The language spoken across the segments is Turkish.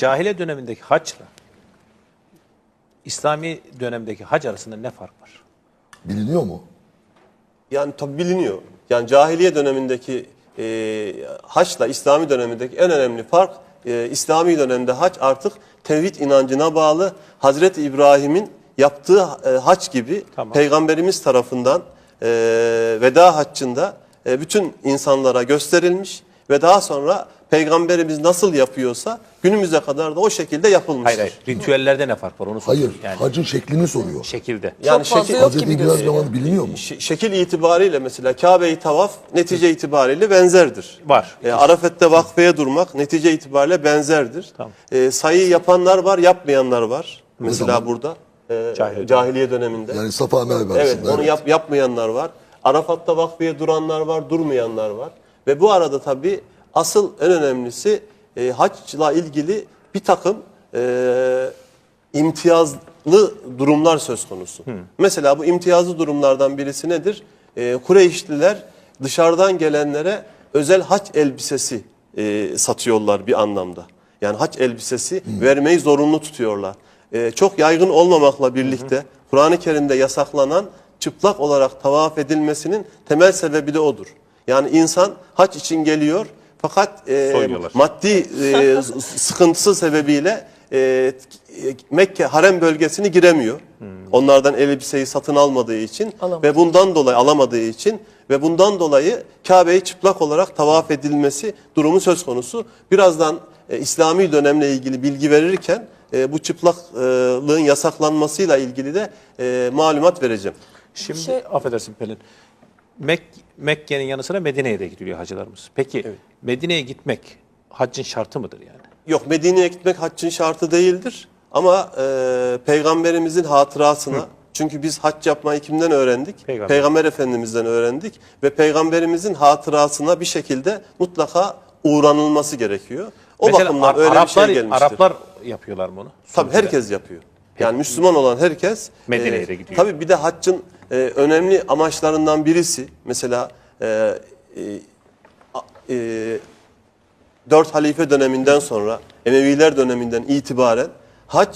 Cahiliye dönemindeki haçla İslami dönemdeki hac arasında ne fark var? Biliniyor mu? Yani tabi biliniyor. Yani cahiliye dönemindeki haçla İslami dönemindeki en önemli fark, İslami dönemde hac artık tevhid inancına bağlı. Hazreti İbrahim'in yaptığı hac gibi Peygamberimiz tarafından veda haccında bütün insanlara gösterilmiş ve daha sonra Peygamberimiz nasıl yapıyorsa günümüze kadar da o şekilde yapılmıştır. Hayır. Ritüellerde ne fark var onu soruyorum. Hayır. Hacın şeklini soruyor. Şekilde. Yani Çok fazla yok Hazreti gibi İbrahim gözüküyor. zamanı biliniyor mu? şekil itibariyle mesela Kabe-i tavaf netice itibariyle benzerdir. Var. Arafet'te vakfeye durmak netice itibariyle benzerdir. Tamam. Sayı yapanlar var, yapmayanlar var. Mesela zaman? burada Cahiliye döneminde. Yani Safa Merve Evet, arasında. onu yapmayanlar var. Arafat'ta vakfeye duranlar var, durmayanlar var. Ve bu arada tabii asıl en önemlisi haçla ilgili bir takım imtiyazlı durumlar söz konusu. Mesela bu imtiyazlı durumlardan birisi nedir? Kureyşliler dışarıdan gelenlere özel haç elbisesi satıyorlar bir anlamda. Yani haç elbisesi vermeyi zorunlu tutuyorlar. Çok yaygın olmamakla birlikte Kur'an-ı Kerim'de yasaklanan çıplak olarak tavaf edilmesinin temel sebebi de odur. Yani insan hac için geliyor fakat maddi sıkıntısı sebebiyle Mekke harem bölgesini giremiyor. Onlardan elbiseyi satın almadığı için ve bundan dolayı alamadığı için ve bundan dolayı Kabe'yi çıplak olarak tavaf edilmesi durumu söz konusu. Birazdan İslami dönemle ilgili bilgi verirken bu çıplaklığın yasaklanmasıyla ilgili de malumat vereceğim. Şimdi affedersin Pelin. Mekke'nin yanı sıra Medine'ye de gidiyor hacılarımız. Peki Medine'ye gitmek haccın şartı mıdır yani? Yok, Medine'ye gitmek haccın şartı değildir. Ama Peygamberimizin hatırasına, çünkü biz hac yapmayı kimden öğrendik? Peygamber Efendimiz'den öğrendik. Ve Peygamberimizin hatırasına bir şekilde mutlaka uğranılması gerekiyor. O mesela bakımdan öyle bir şey gelmiştir. Araplar yapıyorlar bunu. Tabii herkes yapıyor. Yani Müslüman olan herkes Medine'ye de gidiyor. Tabii bir de haccın önemli amaçlarından birisi mesela 4 halife döneminden sonra Emeviler döneminden itibaren hac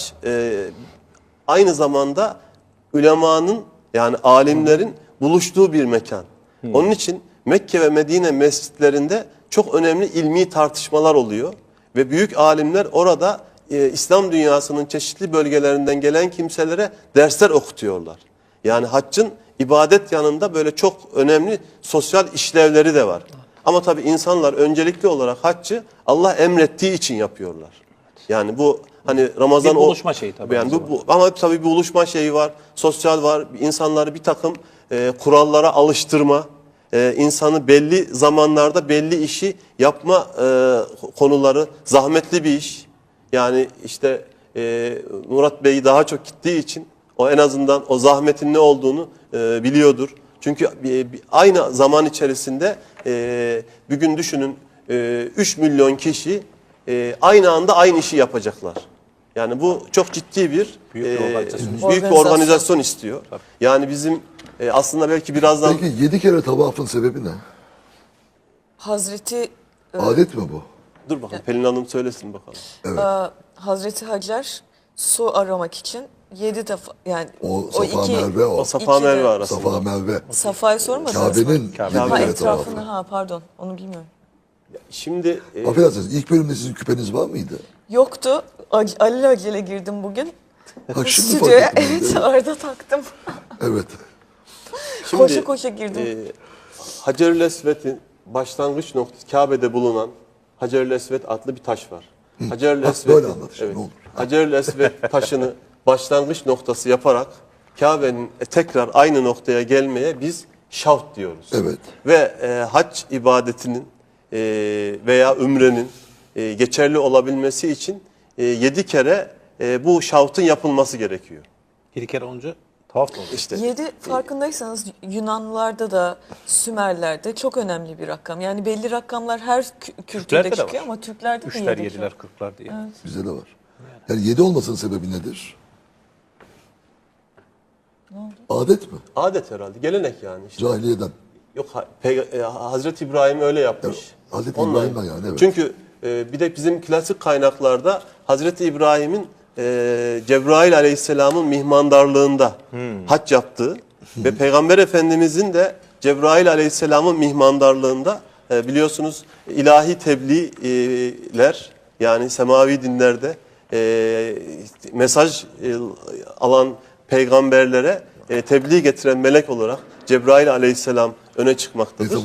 aynı zamanda ulemanın yani alimlerin buluştuğu bir mekan. Onun için Mekke ve Medine mescitlerinde çok önemli ilmi tartışmalar oluyor ve büyük alimler orada İslam dünyasının çeşitli bölgelerinden gelen kimselere dersler okutuyorlar. Yani haccın ibadet yanında böyle çok önemli sosyal işlevleri de var. Ama tabii insanlar öncelikli olarak haccı Allah emrettiği için yapıyorlar. Yani bu hani Ramazan bir buluşma şeyi tabii. Yani ama tabii bir buluşma şeyi var, sosyal var. İnsanları bir takım kurallara alıştırma, insanı belli zamanlarda belli işi yapma konuları zahmetli bir iş. Yani işte Murat Bey daha çok gittiği için o en azından o zahmetin ne olduğunu biliyordur. Çünkü aynı zaman içerisinde bir gün düşünün 3 milyon kişi aynı anda aynı işi yapacaklar. Yani bu çok ciddi bir büyük bir organizasyon istiyor. Tabii. Yani bizim aslında belki birazdan... Peki 7 kere tavafın sebebi ne? Hazreti Adet mi bu? Dur bakalım Pelin Hanım söylesin bakalım. Evet. Hazreti Hacer su aramak için 7 defa yani O Safa Merve o. O Safa Merve arasında. Safa Merve. Safa'yı sormadınız mı? Kabe'nin Ha, 7 kere etrafını tavafı. pardon onu bilmiyorum. Şimdi Affedersiniz ilk bölümde sizin küpeniz var mıydı? Yoktu. Alelacele girdim bugün. Ha, şimdi Stüdyoya fark ettim. evet orada taktım. Evet. Şimdi, koşa koşa girdim. Hacer-ül Esved'in başlangıç noktası Kabe'de bulunan Hacer-ül Esved adlı bir taş var. Hacer-ül böyle anlat işte, ne olur. Hacer-ül Esved taşını başlangıç noktası yaparak Kabe'nin tekrar aynı noktaya gelmeye biz şavt diyoruz. Evet. Ve hac ibadetinin veya ümrenin geçerli olabilmesi için 7 kere bu şavtın yapılması gerekiyor. 7 kere olunca tavaf mı oluyor? İşte 7 farkındaysanız Yunanlılarda da Sümerlerde çok önemli bir rakam. Yani belli rakamlar her kültürde de çıkıyor var. ama Türklerde de 3'ler, 7. 7'ler, 40'lar diye. Evet. Bizde de var. Yani 7 olmasının sebebi nedir? Adet mi? adet herhalde, gelenek yani. İşte. Cahiliyeden. Yok Hazreti İbrahim öyle yapmış. Hazreti Ondan. İbrahim'den yani evet. Çünkü bir de bizim klasik kaynaklarda Hazreti İbrahim'in Cebrail Aleyhisselam'ın mihmandarlığında hac yaptığı ve Peygamber Efendimizin de Cebrail Aleyhisselam'ın mihmandarlığında biliyorsunuz ilahi tebliğler yani semavi dinlerde mesaj alan peygamberlere tebliğ getiren melek olarak Cebrail Aleyhisselam öne çıkmaktadır.